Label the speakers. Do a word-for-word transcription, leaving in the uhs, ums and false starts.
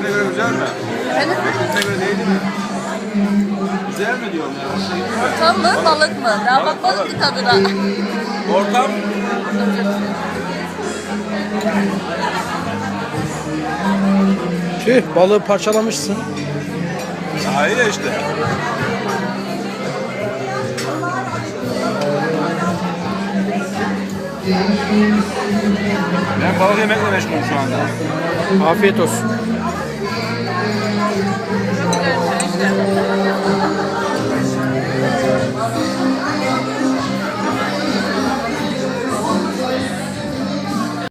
Speaker 1: Kendine göre güzel mi?
Speaker 2: Efendim?
Speaker 1: Kendine göre değil mi? Güzel mi diyorum ya?
Speaker 2: Ortam mı, balık mı? Daha bakmadım ki tadına.
Speaker 1: Ortam.
Speaker 3: Tüh, balığı parçalamışsın.
Speaker 1: Daha iyi ya işte. Ben balık yemekle meşgulüm şu anda.
Speaker 3: Afiyet olsun.